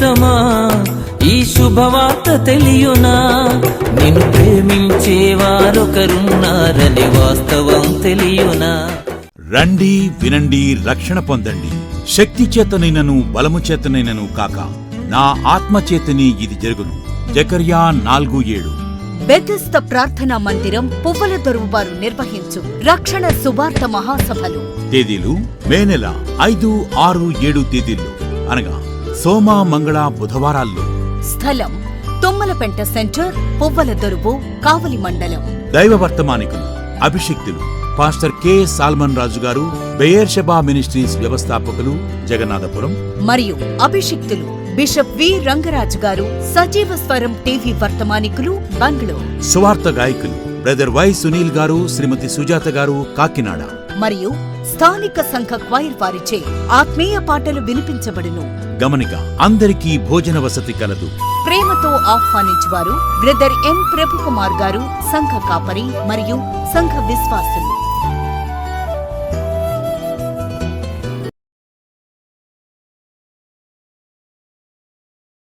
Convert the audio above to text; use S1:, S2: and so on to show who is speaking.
S1: మిత్రమా ఈ శుభవార్త తెలియునా, నిన్ను ప్రేమించేవారొకరున్నారని వాస్తవం తెలియునా.
S2: రండి వినండి రక్షణ పొందండి. శక్తి చేతనైనను బలము చేతనైనను కాక నా ఆత్మచేతని ఇది జరుగును. జకర్యా 4:7.
S3: బెతెస్దా ప్రార్థనా మందిరం పువ్వుల దొరువు వారు నిర్వహించు రక్షణ సువార్త మహాసభలు.
S2: తేదీలు మే నెల 5, 6, 7 తేదీల్లో, అనగా సోమ, మంగళ, బుధవారాల్లో.
S3: స్థలం తుమ్మలపెంట సెంటర్, పువ్వుల దొరువు, కావలి మండలం.
S2: దైవ వర్తమానికులు, అభిషిక్తులు పాస్టర్ కె. సాల్మన్ రాజు గారు, బెయేర్షెబా మినిస్ట్రీస్ వ్యవస్థాపకులు, జగన్నాథపురం.
S3: మరియు అభిషిక్తులు బిషప్ వి. రంగరాజు గారు, సజీవ స్వరం టీవీ వర్తమానికులు, బెంగళూరు.
S2: సువార్త గాయకులు బ్రదర్ వై. సునీల్ గారు, శ్రీమతి సుజాత గారు, కాకినాడ.
S3: మరియు స్థానిక సంఘ క్వైర్ వారిచే ఆత్మీయ పాటలు వినిపించబడును.
S2: గమనిక, అందరికీ భోజన వసతి కలదు.
S3: ప్రేమతో ఆహ్వానించువారు బ్రదర్ ఎం. ప్రభుకుమార్ గారు, సంఘ కాపరి మరియు సంఘ విశ్వాసులు.